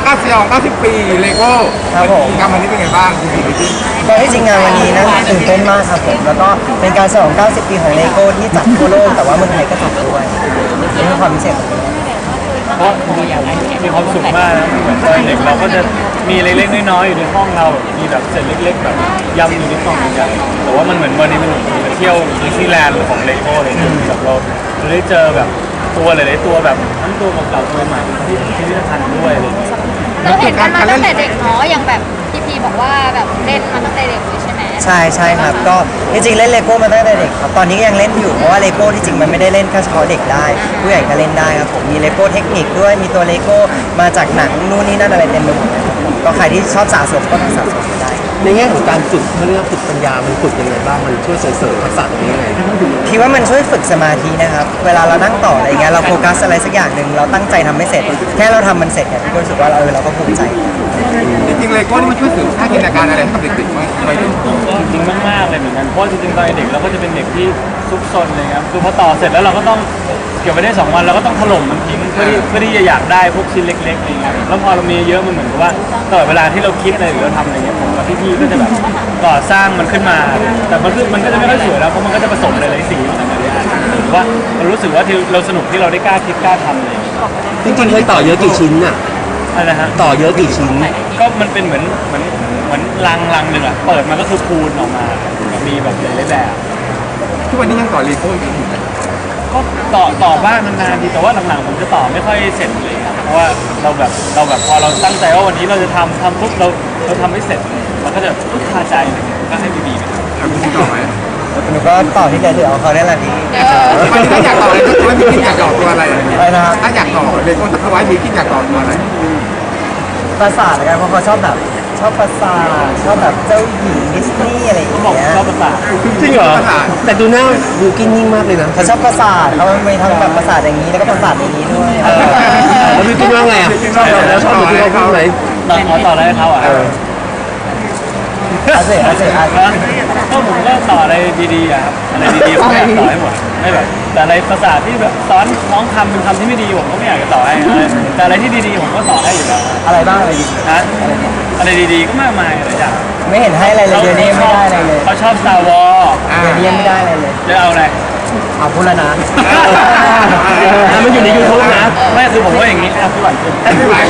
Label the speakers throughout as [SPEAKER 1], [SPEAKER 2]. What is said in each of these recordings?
[SPEAKER 1] 90 ปีเลโก้
[SPEAKER 2] ครับผม
[SPEAKER 1] กิจกรรมวันนี้เป็นไงบ้างคุณพี่บิ๊ก
[SPEAKER 2] ก็ที่จริงงานวันนี้นะตื่นเต้นมากครับผมแล้วก็เป็นการฉลอง 90 ปีของเลโก้ที่จัดทั่วโลกแต่ว่าเมืองไทยก็จัดด้วยนี่คือความพิเศษของมัน
[SPEAKER 3] เพราะมีความสุขมากนะเหมือนตอนเด็กเราก็จะมีเล็กๆน้อยๆอยู่ในห้องเรามีแบบเศษเล็กๆแบบยำอยู่ในกล่องใหญ่แต่ว่ามันเหมือนวันนี้มันเหมือนเที่ยวดิสนีย์แลนด์ของเลโก้เลยแบบเราได้เจอแบบตัวหลายๆตัวแบบทั้งตัวเก่าๆตัวใหม่ที่พิพิธภัณฑ์ด้วยอะไรอย่างเงี้ย
[SPEAKER 4] เราเห็นกันมาตั้งแต่เด็กเนาะอย่างแบบพี่บอกว่าแบบเล่นมาตั้งแต่เด็กเลยใช่ไหม
[SPEAKER 2] ใช่ครับก็จริงๆเล่นเลโก้มาตั้งแต่เด็กครับตอนนี้ก็ยังเล่นอยู่เพราะว่าเลโก้ที่จริงมันไม่ได้เล่นแค่เฉพาะเด็กได้ผู้ใหญ่ก็เล่นได้ครับผมมีเลโก้เทคนิคด้วยมีตัวเลโก้มาจากหนังนู่นนี่นั่นอะไรเต็มไปหมดเลยครับผมก็ใครที่ชอบสะสมก็สะสมได้
[SPEAKER 5] ในแง่ของการฝึกเขาเรียกว่าฝึกปัญญามันฝึกยังไงบ้างมันช่วยเสริมทักษะตรงนี้ยังไง
[SPEAKER 2] พี่ว่ามันช่วยฝึกสมาธินะครับเวลาเรานั่งต่ออะไรเงี้ยเราโฟกัสอะไรสักอย่างหนึ่งเราตั้งใจทำไม่เสร็จแค่เราทำมันเสร็จเนี่ยพี่ก็รู้สึกว่าเราก็ภูมิใจ
[SPEAKER 1] จริงๆเลโก้นี่มันช่วยเสริมสร้างจินตนาการอะไรให้กับเด็กๆไหมไปดู
[SPEAKER 3] จริงๆมากๆเลยเหมือนกันเพราะจริงๆตอนเด็กเราก็จะเป็นเด็กที่ซุกซนเลยครับคือพอต่อเสร็จแล้วเราก็ต้องเก็บไว้ได้2 วันเราก็ต้องถล่มมันทิ้งเพื่อที่จะอยากได้พวกชิ้นเล็กๆอะไรเงี้ยแล้วพอเรามีเยอะมันเหมือนกับว่าตลอดเวลาที่เราคิดอะไรหรือเราทำอะไรเงี้ยผมกับพี่ๆก็จะแบบก่อสร้างมันขึ้นมาแต่มันก็จะไม่ค่อยสวยแล้วเพราะมันก็จะผสมหลายๆสีมาในนี้หรือว่าเรารู้สึกว่าที่เราสนุกที่เราได้กล้าคิดกล้าทำอะไรอย่างเงี้ย
[SPEAKER 5] จริงๆเคยต่อเยอะกี่ชิ้นอ่ะ
[SPEAKER 3] อะไรนะฮะ
[SPEAKER 5] ต่อเยอะกี่ชิ้น
[SPEAKER 3] ก็มันเป็นเหมือนลังหนึ่งอะเปิดมาก็คือพูนออกมามีแบบหลายๆแบบ
[SPEAKER 1] ทุกวันนี้ยังต่อเลโก้อยู่ไหม
[SPEAKER 3] ก็ต่อบ้างนานๆทีแต่ว่าหลังๆผมจะต่อไม่ค่อยเสร็จเลยครับเพราะว่าเราแบบพอเราตั้งใจว่าวันนี้เราจะทำปุ๊บเราทำไม่เสร็จเราก็จะคาใจอะไรเงี้ยก็ให้บีไปทำ
[SPEAKER 1] คุณพี่ต่อไหม
[SPEAKER 2] หนูก็ต่อที่เหลือของเขาได้แหละพี่
[SPEAKER 1] ถ้าอยากต่อเลยก็ว่ามีคิดอยากต่อตัวอะไร
[SPEAKER 2] อะไรนะครับ
[SPEAKER 1] ถ้าอยากต่อเลโก้ถ้าไว้มีคิดอยากต่อตัวอะไร
[SPEAKER 2] ปราสาทละกันเพราะเขาชอบแบบชอบปราสาทชอบแบบเจ้าหญิงดิสนีย์อะไรอย่าง
[SPEAKER 3] เขาบอก
[SPEAKER 2] เงี้ย
[SPEAKER 3] ชอบภาษา
[SPEAKER 5] จริงเหรอแต่ดูหน้าดูกินนิ่งมากเลยนะ
[SPEAKER 2] เขาชอบปราสาทเขามีทั้งแบบปราสาทอย่างนี้แล้วก็ปราสาทอย่างนี้ด้วย
[SPEAKER 5] แล้วดูกินว่าไงอ่ะแล้วชอบดูที่เขาพูดไหม
[SPEAKER 3] ต่ออะไรให้เขาอ่ะ
[SPEAKER 2] อาเซ่อาเซ่อาเซ่
[SPEAKER 3] ก็ผมก็ต่ออะไรดีๆอะครับอะไรดีๆผมอยากต่อให้หมดไม่แบบแต่อะไรภาษาที่แบบสอนน้องทำเป็นคำที่ไม่ดีผมก็ไม่อยากจะต่อให้แต่อะไรที่ดีๆผมก็ต่อให้อยู่แล้ว
[SPEAKER 2] อะไรบ้างอะไรดี
[SPEAKER 3] นะอะไรดีๆก็มากมายหลายอย่าง
[SPEAKER 2] ไม่เห็นให้อะไรเลยเดี๋ยวนี้ไม่ได้อะไรเลย
[SPEAKER 3] เขาชอบ Star Wars
[SPEAKER 2] เดี๋ยวนี้ยังไม่ได้อะไรเลย
[SPEAKER 3] จะเอาอะไร
[SPEAKER 2] เอาพูดแล้วนะ
[SPEAKER 5] มันอยู่ในยูทูบนะ
[SPEAKER 3] ไม่คือผมว่าอย่างนี้ครับพี่หวานคือ
[SPEAKER 1] ไม่ไหว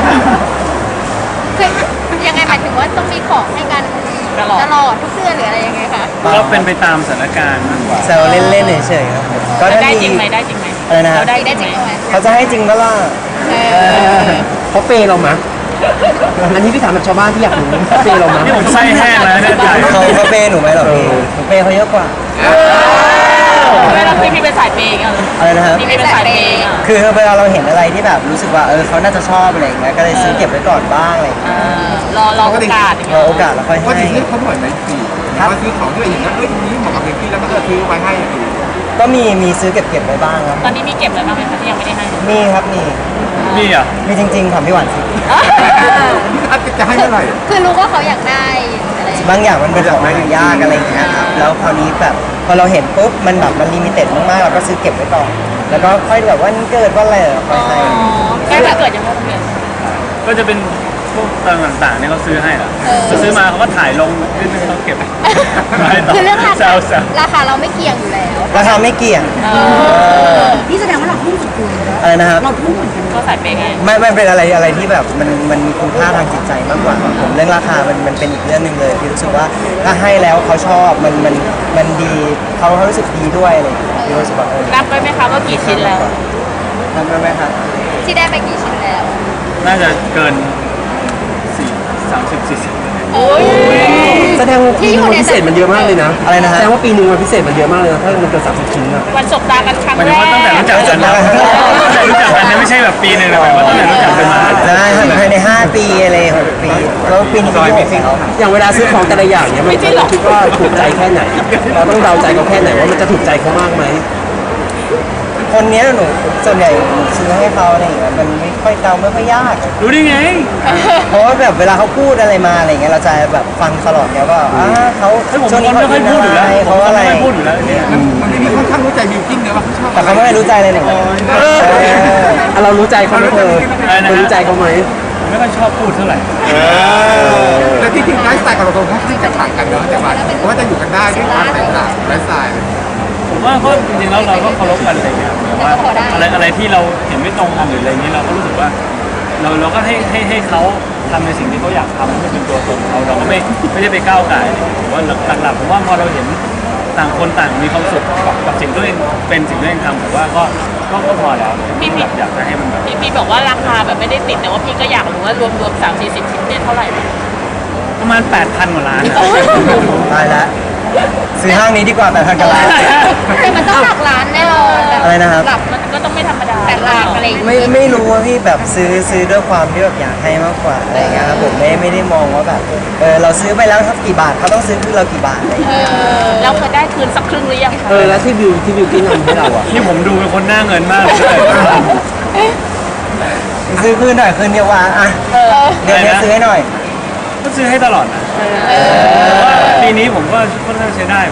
[SPEAKER 4] คือยังไงหมายถึงว่าต้องมีของให้กันตลอดทุกเดือนหรืออะไรยังไงคะ
[SPEAKER 3] ก็เป็นไปตามสถานการณ์มากกว่า
[SPEAKER 2] แซวเล่นๆเฉยๆครับผมก็ถ้า
[SPEAKER 6] ได้
[SPEAKER 2] มี
[SPEAKER 6] จริงไหมได้จริงไหม
[SPEAKER 2] อะไรนะฮะ
[SPEAKER 6] เราได้
[SPEAKER 4] ได้จริงไหม
[SPEAKER 2] เขาจะให้จริงก็ล่ะ
[SPEAKER 5] เขาเปย์เรามะอันนี้พี่ถามแบบชาวบ้านที่อยากรู้เขาเปย์เรามะ
[SPEAKER 3] นี่ผมไส้แห้งแล้วเนี่ยใจ
[SPEAKER 2] เขาเปย์หนูไหมหรอพี่หนูเปย์เขาเยอะกว่า
[SPEAKER 6] เวลาพี่เป็นสายเปย์อย่างเงี้ย
[SPEAKER 2] อะไรนะครับ
[SPEAKER 6] พี่เป็นสายเปย์อ่ะ
[SPEAKER 2] คือเวลาเราเห็นอะไรที่แบบรู้สึกว่าเขาน่าจะชอบอะไรอย่างเงี้ยก็เลยซื้อเก็บไว้ก่อนบ้างอะไรอย่างเงี้ย
[SPEAKER 6] รอโอกาสอย่าง
[SPEAKER 2] ร
[SPEAKER 6] เงี้
[SPEAKER 2] อย โอกาสแล้วค่อย
[SPEAKER 1] ก็
[SPEAKER 2] ให้
[SPEAKER 1] จริงๆเขาบ่อยไหมพี่ว่าซื้อของที่เราเห็นแล้วนี้เหมาะกับเด็กพี่แล้วก็ซื้อไว้ให้
[SPEAKER 2] ก็มีซื้อเก็บไว้บ้างครับ
[SPEAKER 6] ตอนนี้มีเก็บอะไรบ้างไหมคะที่ยังไม่ได้ให้
[SPEAKER 2] มีครับมี
[SPEAKER 3] นี่อ่ะ
[SPEAKER 2] มีจริงๆถามพี่หวานสิ
[SPEAKER 1] จะให้เมื่อไหร่
[SPEAKER 4] คือรู้ว่าเขาอยากได้อะไร
[SPEAKER 2] บางอย่างมันเป็นของหายากอะไรอย่างเงี้ยครับแล้วคราวนี้แบบพอเราเห็นปุ๊บมันแบบมันลิมิเต็ดมากๆเราก็ซื้อเก็บไว้ก่อนแล้วก็ค่อยแบบว่าเกิดว่าอะไรค่อยให้
[SPEAKER 6] แค่เกิดยังไม่เกิด
[SPEAKER 3] ก็จะเป็นพวกต่างๆเนี่ยเขาซื้อให้อ่ะเขาซื้อมาเขาก็ถ่ายลงขึ้นเขาเก็บไม่ต่อ
[SPEAKER 4] คือเรื่องรา
[SPEAKER 3] แซ
[SPEAKER 4] คาว
[SPEAKER 3] ๆ
[SPEAKER 4] ราคาเราไม่เกี่ยงอยู่แล้ว
[SPEAKER 2] ราคาไม่เกี่ยง
[SPEAKER 7] นี่แสดงว่าเราทุ่มสุดตัวเลยนะ
[SPEAKER 2] อะไรนะครับ
[SPEAKER 7] เราทุ่มเหมือนกัน
[SPEAKER 6] ก็สายเปย์ไง
[SPEAKER 2] ไม่เป็นอะไรที่แบบมันมีคุณค่าทางจิตใจมากกว่าผมเรื่องราคามันเป็นอีกเรื่องหนึ่งเลยพี่รู้สึกว่าถ้าให้แล้วเขาชอบมันดีเขารู้สึกดีด้วยอะไรอย่างเงี้ยพี่รู้สึกว่า
[SPEAKER 6] นับไว้ไหมคะว่ากี่ชิ้นแล้ว
[SPEAKER 2] นับได้ไหมครับ
[SPEAKER 4] ที่ได้ไปกี่ชิ้นแล้ว
[SPEAKER 3] น่าจะเกิน30-40
[SPEAKER 4] โอ้ย
[SPEAKER 5] แสดงว่าปีนึงมันพิเศษมันเยอะมากเลยนะ
[SPEAKER 2] อะไรนะ
[SPEAKER 5] แส
[SPEAKER 2] ฮะ
[SPEAKER 5] ดงว่าปีนึงมันพิเศษมันเยอะมากเลยนะถ้ามันเกิน30 ชิ้นอ่ะ
[SPEAKER 6] วันสบตากันครั้ง
[SPEAKER 3] หมาย
[SPEAKER 6] แร
[SPEAKER 3] ถึง
[SPEAKER 6] ก
[SPEAKER 3] ว่าตั้งแต่รู้จักกันนะตั้งแต่รู้จักกันเนี่ยไม่ใช่แบบปีหนึ่งนะหมายว่าตั้งแต่รู้จักกันมา
[SPEAKER 2] ได้ภายใน5 ปีอะไร6 ปีแล้วปีนี้ปีที่6แล้ว
[SPEAKER 5] อย่างเวลาซื้อของแต่ละอย่างเนี่ยมันเราคิดว่าถูกใจแค่ไหน เราต้องเดาใจเขาแค่ไหนว่ามันจะถูกใจเขามากไหม
[SPEAKER 2] คนเนี้ยหนูส่วนใหญ่ซื้อให้เขาอะไรอย่างเงี้ยมันไม่ค่อยเดาไม่ค่อยยาก
[SPEAKER 3] รู้ได้ไง
[SPEAKER 2] เพราะว่าแบบเวลาเขาพูดอะไรมาอะไรเงี้ยเราจะแบบฟังตลอดแล้วก็เขา
[SPEAKER 3] ผม
[SPEAKER 2] ช่วงนี้
[SPEAKER 3] ไม่ค่อยพูดอยู่แล้ว
[SPEAKER 2] เขาอะไร
[SPEAKER 3] ไม่ค่อยพูดอยู่แล้วเนี่ย
[SPEAKER 1] มันไม่มีค่อนข้างรู้ใจบิวกิ้นนะว่าเขาชอบ
[SPEAKER 2] แต่เขาไม่รู้ใจเลยหนึ่ง
[SPEAKER 5] เรารู้ใจเขาไหมเธอ
[SPEAKER 3] อะไรนะ
[SPEAKER 5] เรารู้ใจเขาไหม
[SPEAKER 3] ไม่ค่อยชอบพูดเท่าไหร่
[SPEAKER 1] แต่ที่จริงไลฟ์สไตล์ของเราค่อนข้างจะต่างกันเนาะแต่ว่าจะอยู่กันได้ด้วยความแตกต่างไลฟ์สไตล์
[SPEAKER 3] ผมว่าก็จริงๆแล้วเราก็เคารพกันอะไรเงี้ยแต่ว่าอะไรที่เราเห็นไม่ตรงกันหรืออะไรเงี้ยเราก็รู้สึกว่าเราก็ให้เขาทำในสิ่งที่เขาอยากทำให้เป็นตัวตนเขาเราก็ไม่ได้ไปก้าวไก่ายผมว่าหลักๆผมว่าพอเราเห็นต่างคนต่างมีความสุขกับสิ่งที่ตัวเองเป็นสิ่งที่ตัวเองทำผมว่าก็พอแล้วพี่อยากจะให้มันแบบ
[SPEAKER 6] พี่บอกว่าราคาแบบไม่ได้ติดแต่ว่าพี่ก็อยากรู้ว่ารวม30-40 ชิ้นเนี่ยเท่าไหร่
[SPEAKER 3] ประมาณ 8,000 กว่าล้าน
[SPEAKER 2] ตายแล้วซื้อห้างนี้ดีกว่าแต่ทางกลา
[SPEAKER 4] แต่มันต้องหลักล้านแน่นอน
[SPEAKER 2] อะไรนะครับ
[SPEAKER 6] หลักมันก็ต้องไม่ธรรมดา
[SPEAKER 4] แต่หลักอะไรอย่างเงี้ย
[SPEAKER 2] ไม่รู้ว่าพี่แบบซื้อด้วยความที่แบบอยากให้มากกว่าอะไรเงี้ยครับผมไม่ได้มองว่าแบบเราซื้อไปแล้วครับกี่บาทเขาต้องซื้อคืนเรากี่บาทอะไรเงี้ย
[SPEAKER 6] เราเคยได้คืนสักครึ่งหรือยังคะ
[SPEAKER 5] แล้วที่บิวกินทำให้เราอ่ะ
[SPEAKER 3] ที่ผมดูเป็นคนหน้าเงินมากเลย
[SPEAKER 2] ซื้อคืนหน่อยคืนเดียววะอ่ะเดี๋ยวนี้ซื้อให้หน่อย
[SPEAKER 3] ก็ซื้อให้ตลอดนะปีนี้ผมก็ค่อนข้างใช้ได้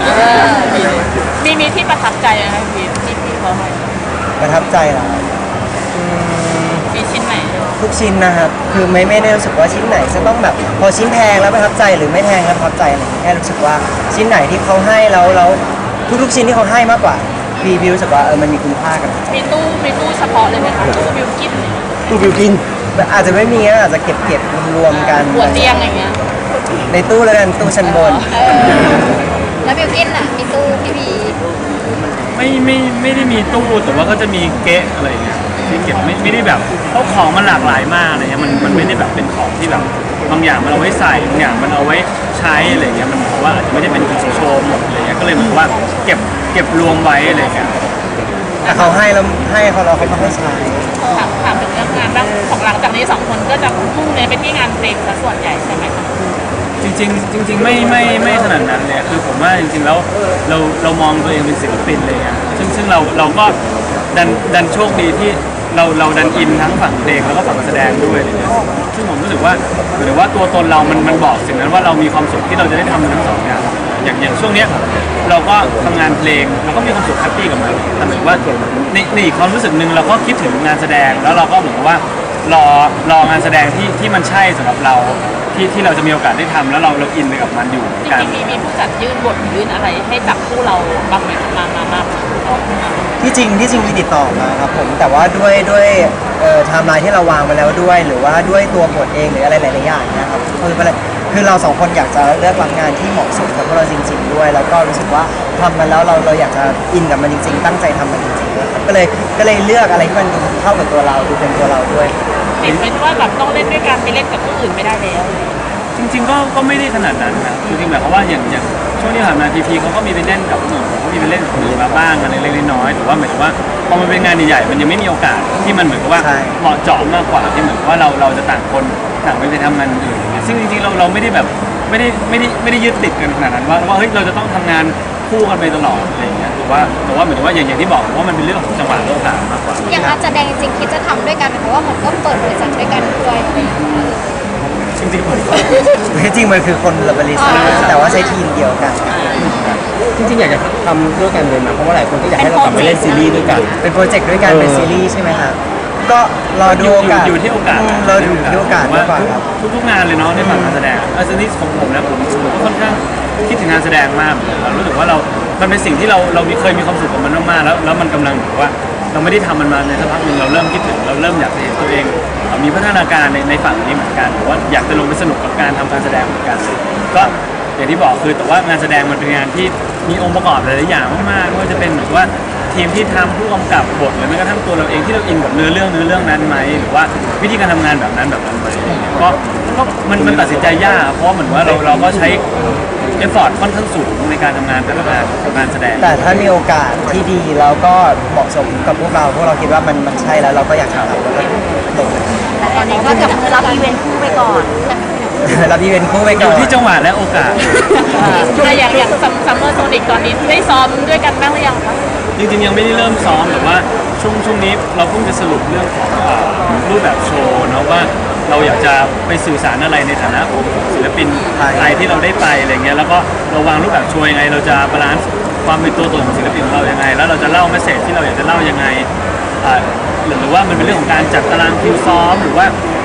[SPEAKER 6] มีที่ประทับใจไหมคะพี่เขาให้
[SPEAKER 2] ประทับใจเหรอ
[SPEAKER 6] มีชิ้นไหน
[SPEAKER 2] ทุกชิ้นนะครับคือไม่ได้รู้สึกว่าชิ้นไหนจะต้องแบบพอชิ้นแพงแล้วประทับใจหรือไม่แพงแล้วประทับใจอะไรอย่างเงี้ยแค่รู้สึกว่าชิ้นไหนที่เขาให้แล้วทุกๆชิ้นที่เขาให้มากกว่าพี่รู้สึกว่ามันมีคุณค่ากัน
[SPEAKER 6] มีตู้เฉพาะเลยไหมคะตู้บิวกิ้นเนี่ย
[SPEAKER 5] ตู้บิวกิน
[SPEAKER 2] อาจจะไม่มีนะอาจจะเก็บรวมกัน
[SPEAKER 6] หัวเตียงอย่างเงี้ย
[SPEAKER 2] ในตู้แล้วกันตู้ชั้นบน
[SPEAKER 4] แล้วบิวกินอ่ะมีตู้พี่พี
[SPEAKER 3] ไม่ได้มีตู้แต่ว่าก็จะมีเก๊ะอะไรอย่างเงี้ยที่เก็บไม่ได้แบบเพราะของมันหลากหลายมากอะไรเงี้ยมันไม่ได้แบบเป็นของที่แบบบางอย่างมันเอาไว้ใส่บางอย่างมันเอาไว้ใช้อะไรเงี้ยมันเหมือนว่าอาจจะไม่ได้เป็นของโชว์หมดอะไรเงี้ยก็เลยเหมือนว่าเก็บรวมไว้อะไรเงี้ย
[SPEAKER 2] แต่เขาให้แล้วให้เขาเราเขาก็ให้ใช้
[SPEAKER 6] ถามถึงเรื่องงานบ้างของหลังจากนี้2 คนก็จะมุ่งเน้นไปที่งานเพลงซะส่วนใหญ่ใช่ไหมคะ
[SPEAKER 3] จริงไม่ขนาดนั้นเลยคือผมว่าจริงๆแล้วเรามองตัวเองเป็นศิลปินเลยอะซึ่งเราก็ดันโชคดีที่เราดันอินทั้งฝั่งเพลงแล้วก็ฝั่งแสดงด้วยอะไรเงี้ยซึ่งผมรู้สึกว่าหรือว่าตัวตนเรามันบอกสิ่งนั้นว่าเรามีความสุขที่เราจะได้ทำทั้งสองอย่างช่วงเนี้ยเราก็ทำงานเพลงเราก็มีความสุขแฮปปี้กับมันแต่หมายถึงว่าในอีกความรู้สึกหนึ่งเราก็คิดถึงงานแสดงแล้วเราก็เหมือนกับว่ารองานแสดงที่มันใช่สำหรับเราที่เราจะมีโอกาสได้ทำแล้วเราอินไปกับมันอยู่
[SPEAKER 6] จ
[SPEAKER 3] กัน
[SPEAKER 6] ริงๆมีผู้จัดยื่นบทยื่นอะไรให้จับคู่เราบ้างไหมมา
[SPEAKER 2] ที่จริงมีติดต่อมาครับผมแต่ว่าด้วยไทม์ไลน์ที่เราวางมาแล้วด้วย หรือว่าด้วยตัวบทเองหรืออะไรหลายๆอย่างนะครับคือเราสองคนอยากจะเลือกรับงานที่เหมาะสมกับพวกเราจริง ๆ ด้วย แล้วก็รู้สึกว่าทำมันแล้วเราอยากจะอินกับมันจริง ๆ ตั้งใจทำมันจริงๆนะครับก็เลยเลือกอะไรที่มันดูเข้ากับตัวเราดูเป็นตัวเราด้วย
[SPEAKER 6] ติดเป็นว่าแบบต้องเล่นด้วยกันไปเล่นกับผู้อื่นไม่ได้แล้ว
[SPEAKER 3] จริงๆก็ไม่ได้ขนาดนั้นนะจริงๆหมายความว่าอย่างช่วงที่ผ่านมาพีเขาก็มีไปเล่นกับหนุ่มเขามีไปเล่นกับคนอื่นมาบ้างกันเล็กๆน้อยๆแต่ว่าหมายถึงว่าพอมันเป็นงานใหญ่ๆมันยังไม่มีโอกาสที่มันเหมือนกับว่า
[SPEAKER 2] ใช่
[SPEAKER 3] เหมาะเจาะมากกว่าที่เหมือนกับว่าเราจะต่างคนต่างไปทำงานอื่นอย่างเงี้ยซึ่งจริงๆเราไม่ได้แบบไม่ได้ยึดติดกันขนาดนั้นว่าเฮ้ยเราจะต้องทำงานคู่กันไปตลอดอะไรอย่างเงี้ยแต่ว่าเหมือนว่าอย่างที่บอกว่ามันเป็นเรื่องของจังหวะโลกาสมากกว่า
[SPEAKER 4] อย่างอาจจะแดงจริงคิดจะทำด้วยกันเพราะว่ามันก็เปิดบริษัทด้วยกันด้วยอะไรอย่างเงี้ย
[SPEAKER 3] จริงๆผม
[SPEAKER 2] ที่จริงมันคือคนละบริษัทแต่ว่าใช้ทีมเดียวกัน
[SPEAKER 5] จริงๆอยากจะทำด้วยกันเลยนะเพราะว่าหลายคนก็อยากให้เรากลับมาเล่นซีรีส์ด้วยกัน
[SPEAKER 2] เป็นโปรเจกต์ด้วยกันเป็นซีรีส์ใช่ไหมครับก็รอดูโอกาส
[SPEAKER 3] อยู่ที่โอกาส
[SPEAKER 2] เราดูที่โอกาสมากกว่าครับ
[SPEAKER 3] ทุกงานเลยเนาะในฝั่งการแสดงซีรีส์ของผมนะผมก็ค่อนข้างคิดถึงงานแสดงมากเรารู้สึกว่ามันเป็นสิ่งที่เราเคยมีความสุขกับมันมากๆแล้วมันกำลังแบบว่าเราไม่ได้ทำมันมาในสักพักหนึ่งเราเริ่มคิดถึงเราเริ่มอยากจะเห็นตัวเองมีพัฒนาการในฝั่งนี้เหมือนกันหรือว่าอยากจะลงไปสนุกกับการทำการแสดงเหมือนกันก็อย่างที่บอกคือแต่ว่างานแสดงมันเป็นงานที่มีองค์ประกอบหลายๆอย่างมากๆไม่ว่าจะเป็นแบบว่าทีมที่ทำผู้กำกับบทหรือแม้กระทั่งตัวเราเองที่เราอินกับเนื้อเรื่องนั้นไหมหรือว่าวิธีการทำงานแบบนั้นไหมก็มันตัดสินใจยากเพราะเหมือนว่าเราก็ใช้เอฟฟอร์ตค่อนข้างสูงในการทำงานแต่ละงานแสดง
[SPEAKER 2] แต่ถ้ามีโอกาสที่ดีแล้วก็เหมาะสมกับพวกเราคิดว่ามันใช่แล้วเราก็อยากจะทำแล้วก็ลง
[SPEAKER 4] แต่ตอนนี้ก็จะรับอีเวนต์คู่ไปก่อน
[SPEAKER 2] รับอีเวนต์คู่ไป
[SPEAKER 3] อ
[SPEAKER 2] ก่
[SPEAKER 3] ยู่
[SPEAKER 2] อน
[SPEAKER 3] ที่จังหวะและโอกาส
[SPEAKER 6] อย่างซัมเมอร์โซนิกตอนนี้ได้ซ้อมด้วยกันบ้างหรือยังคะ
[SPEAKER 3] จริงๆยังไม่ได้เริ่มซ้อมแต่ว่าช่วงนี้เราเพิ่งจะสรุปเรื่องของรูปแบบโชว์เนาะว่าเราอยากจะไปสื่อสารอะไรในฐานะของศิลปินไทยที่เราได้ไปอะไรเงี้ยแล้วก็เราวางรูปแบบโชว์ยังไงเราจะบาลานซ์ความเป็นตัวตนของศิลปินของเรายังไงแล้วเราจะเล่าเมสเสจที่เราอยากจะเล่ายังไงหรือว่ามันเป็นเรื่องของการจัดตารางคิวซ้อมหรือว่า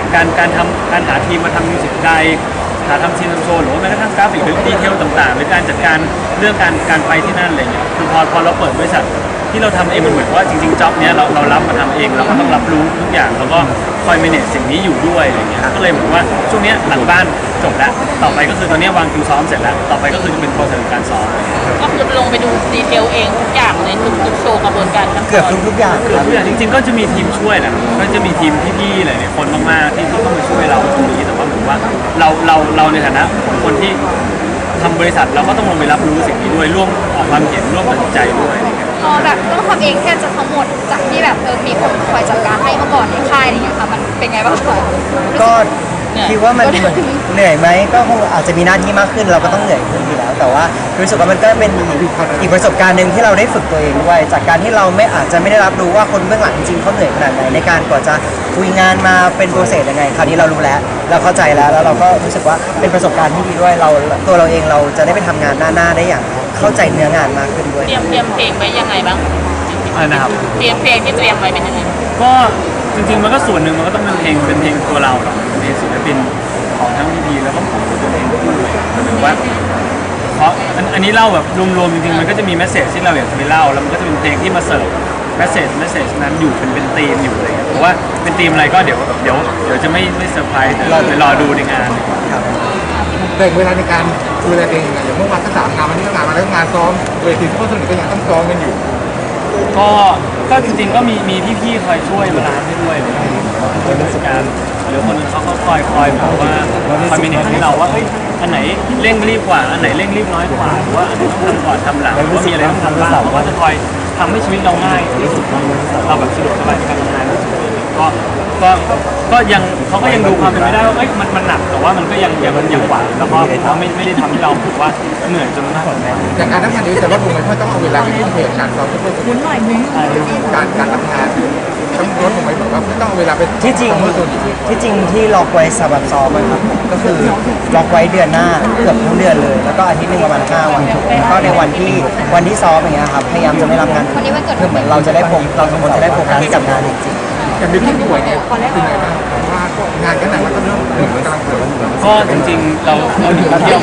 [SPEAKER 3] การหาทีมมาทำมิวสิกไดหาทำซีนโชว์หรือว่าแม้กระทั่งกราฟิกหรือดีเทลต่างๆหรือการจัดการเรื่องการไปที่นั่นอะไรเงี้ยคือพอเราเปิดบริษัทที่เราทำเองมันเหมือนว่าจริงๆจ็อบเนี้ยเรารับมาทำเองเราก็ต้องรับรู้ทุกอย่างแล้วก็คอย manage สิ่งนี้อยู่ด้วยอะไรเงี้ยก็เลยเหมือนว่าช่วงเนี้ยหลังบ้านจบแล้วต่อไปก็คือตอนนี้วางคิวซ้อมเสร็จแล้วต่อไปก็คือจะเป็นโปรเซสการซ้อม
[SPEAKER 6] ก็คือลงไปดูดีเทลเองทุกอย่างในทุกโชว์กระบวนการขั้นต
[SPEAKER 2] เกือบ
[SPEAKER 6] อน
[SPEAKER 2] ทุกอย่าง
[SPEAKER 3] คือ
[SPEAKER 2] ครับ
[SPEAKER 3] ทุกอย่างจริงๆก็จะมีทีมช่วยแหละก็จะมีทีมพี่ๆหลายๆคนมากๆที่เข้ามาช่วยเราตรงนี้แต่ว่าเหมือนว่าเราในฐานะคนที่ทำบริษัทเราก็ต้องลงไปรับรู้สิ่งนี้ด้วยร่วมออกความเห็นร่วมตัดสินใจด้วยอะไรเงี้ย
[SPEAKER 4] พอแบบต้องทำเองแค่จะทั้งหมดจากที่แบบมีคนคอยจัดการให้เมื่อก่อนในค่ายอะไรอย่างเงี้ยค่ะมันเป็นไงบ้างคะ
[SPEAKER 2] ก็คิดว่ามันเหนื่อยไหมก็คงอาจจะมีหน้าที่มากขึ้นเราก็ต้องเหนื่อยขึ้นอยู่แล้ว แต่ว่ารู้สึกว่ามันก็เป็นอีกประสบการณ์หนึ่งที่เราได้ฝึกตัวเองด้วยจากการที่เราอาจจะไม่ได้รับรู้ว่าคนเบื้องหลังจริงๆเขาเหนื่อยขนาดไหนในการกว่าจะคุยงานมาเป็นโปรเซสยังไงคราวนี้เรารู้แล้วเราเข้าใจแล้วเราก็รู้สึกว่าเป็นประสบการณ์ที่ดีด้วยตัวเราเองเราจะได้ไปทำงานหน้าได้อย่างเข้าใจเนื้องานมากขึ้นด้วย
[SPEAKER 6] เตรียมเพลงไว้ยังไงบ้าง
[SPEAKER 3] อะไรนะครับ
[SPEAKER 6] เตรียมเพลงที่เตรียมไว้เป็นยังไง
[SPEAKER 3] ก็จริงๆมันก็ส่วนหนึ่งมันก็ต้องเป็นเพลงตัวเราหรอกเป็นเพลงศิลปินของทั้งพีแล้วก็ของตัวเองด้วยหรือว่าเพราะอันนี้เล่าแบบรวมๆจริงๆมันก็จะมีแมสเซจที่เราอยากจะไปเล่าแล้วมันก็จะเป็นเพลงที่มาเสิร์ฟแมสเซจนั้นอยู่เป็นธีมอยู่อะไรเงี้ยเพราะว่าเป็นธีมอะไรก็เดี๋ยวจะไม่เซอร์ไพรส์แต่ไปรอดูในงาน
[SPEAKER 1] แบ่งเวลาในการดูแลเองอย่างเมื่อวานก็3 งานวันนี้ก็งานมาแล้วงานซ้อมเวทีซุปเปอร์โซนิกก็ยังต้องซ้อมกันอยู่
[SPEAKER 3] ก็จริงๆก็มีพี่ๆคอยช่วยบาลานซ์ให้ด้วยอะไรอย่างเงี้ยช่วยราชการหรือคนอื่นเขาก็คอยแบบว่าคอยมีเนตให้เราว่าเฮ้ยอันไหนเร่งรีบกว่าอันไหนเร่งรีบน้อยกว่าหรือว่าอันไหนต้องทำก่อนทำหลังหรือว่ามีอะไรต้องทำบ้างเขาก็จะคอยทำให้ชีวิตเราง่ายที่สุดเราแบบสะดวกสบายในการทำงานที่สุดก็ยังเขาก็ยังดูความเป็นไปได้ว่าเอ้ยมันหนักแต่ว่ามันก็ยังไหวแล้วก็ไม่ได้ทำให้เรารู้สึกว่าเหนื่อยจนมากกว่านี้
[SPEAKER 1] จากการทำงานนี้แต่ว่าดูมันไม่ต้องเอาเวลาไปทุ่มเทกับการซ้อมซุปเปอร์โซนิกการทำงานต้องลดลงไปแบบว่าไม่ต้องเอาเวลาไป
[SPEAKER 2] ที่จริง
[SPEAKER 1] ซุปเปอร์โซนิก
[SPEAKER 2] ที่ล็อกไว้สำหรับซ้อมนะครับก็คือล็อกไว้เดือนหน้าเกือบทั้งเดือนเลย แล้วก็อาทิตย์หนึงประมาณ5 วันแล้วก็ในวันที่ซ้อมอย่างเงี้ยครับพยายามจะไม่รับงานคือเหมือนเราจะได้เราทุกคนจะได้โฟกัสกับงานจริง
[SPEAKER 1] อย่างที่ป่วยเนี่ยเป็นไงบ้างเพราะว่างานก็หนักแล้วก็เริ่มกำลังป่วย
[SPEAKER 3] ก็จริงๆเราอยู่เที่ยว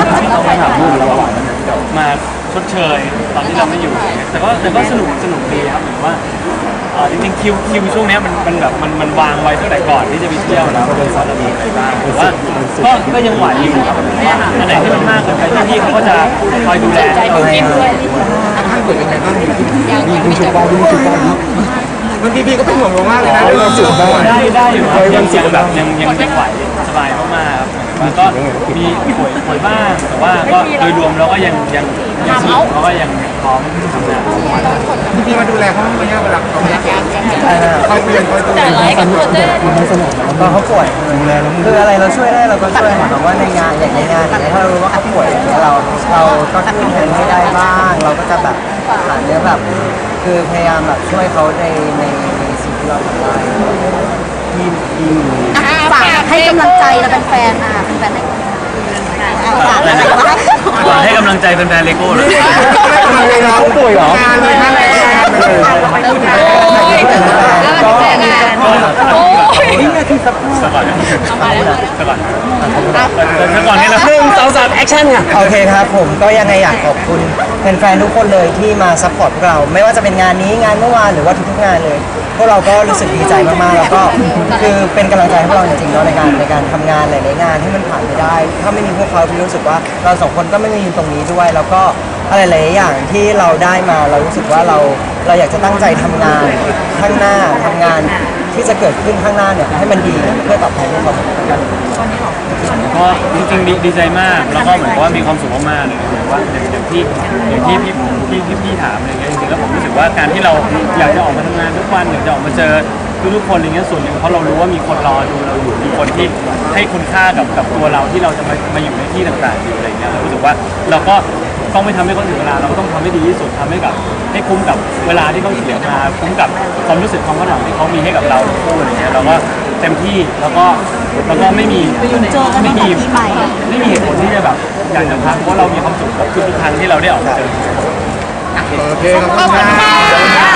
[SPEAKER 3] มาชดเชยตอนที่เราไม่อยู่แต่ก็สนุกดีครับเหมือนว่าจริงๆคิวช่วงนี้มันแบบมันวางไว้ตั้งแต่ก่อนที่จะไปเที่ยวแล้วบริษัทเรามีอะไรบ้างแต่ว่าก็ยังไหวอยู่ครับอันไหนที่มันมากเกินไปพี่เขาก็จะคอยดูแลให้เรา
[SPEAKER 1] ท่านป่วยเป็นไงบ้างมีชุดบอลบางทีพี่ก็เป็นห่วงเรามากเลยนะเราจุดบ้าง
[SPEAKER 3] ได้อยู่ครับยังแบบยังไหวสบายมากๆครับก็มีป่วยบ้างแต่ว่าก็โดยรวมเราก็ยังสนุกแล้วก็ยังพร้อมทำงาน
[SPEAKER 1] พี่มาดูแลเขาไหมเนี่ยเวลาเขาไม่ได้เขาเปลี่ยนเขาดูแล
[SPEAKER 6] แต่ไรกับโปรเจกต์
[SPEAKER 2] ๆก็เขาป่วยคืออะไรเราช่วยได้เราก็ช่วยหมายความว่าในงานอย่างในงานถ้าเรารู้ว่าเขาป่วยเราก็ขึ้นแทนให้ได้บ้างเราก็จะแบบหาเรื่องแบบคือพยายามแบบช่วยเขาในสิ่งที่เราทำได้
[SPEAKER 7] ฝากให้กำลังใจเราเป็นแฟนเป็นแฟนฝากอะไรวะ
[SPEAKER 3] ให้กำลังใจแฟนๆเลโก้เลย
[SPEAKER 1] เขาป่วยเหรองานเลยนะเลย
[SPEAKER 3] สก่อนนี่เรา
[SPEAKER 5] 1 2 3แอคชั่นค่ะ
[SPEAKER 2] โอเคครับผมก็ยังไงอยากขอบคุณแฟนๆทุกคนเลยที่มาซัพพอร์ตพวกเรา ไม่ว่าจะเป็นงานนี้งานเมื่อวานหรือว่าทุกๆงานเลย พวกเราก็รู้สึกดีใจมากๆแล้วก็คือเป็นกำลังใจให้พวกเราจริงๆเนาะในการทำงานหลายๆงานที่มันผ่านไปได้ ถ้าไม่มีพวกเขาพี่รู้สึกว่าเราสองคนก็ไม่มีตรงนี้ด้วย แล้วก็อะไรหลายๆอย่างที่เราได้มาเรารู้สึกว่าเราอยากจะตั้งใจทำงานข้างหน้าทำงานที่จะเกิดขึ้นข้างหน้าเนี่ยให้มันดีเพื่อตอบแทนพวกเขาเหมือนกัน
[SPEAKER 3] ก็จริงๆดีใจมากแล้วก็เหมือนว่ามีความสุขมากๆเลยเหมือนว่าอย่างที่พี่ถามอะไรเงี้ยจริงๆแล้วผมรู้สึกว่าการที่เราอยากจะออกมาทำงานทุกวันอยากจะออกมาเจอทุกคนอะไรเงี้ยส่วนหนึ่งเพราะเรารู้ว่ามีคนรอดูเราอยู่มีคนที่ให้คุณค่ากับตัวเราที่เราจะมาอยู่ในที่ต่างๆอยู่อะไรเงี้ยเรารู้สึกว่าเราก็ต้องไม่ทำให้คนอื่นเวลาเราก็ต้องทำให้ดีที่สุดทำให้คุ้มกับเวลาที่เขาเสียมาคุ้มกับความรู้สึกความคาดหวังที่เขามีให้กับเราทั้งคู่อะไรเงี้ยเราก็เต็มที่แล้วก็ไม่มีเหตุผลที่จะแบบอยากจะพักเพราะเรามีความสุขกับทุกครั้งที่เราได้ออกมาเจอ
[SPEAKER 1] โอเคขอบคุณมาก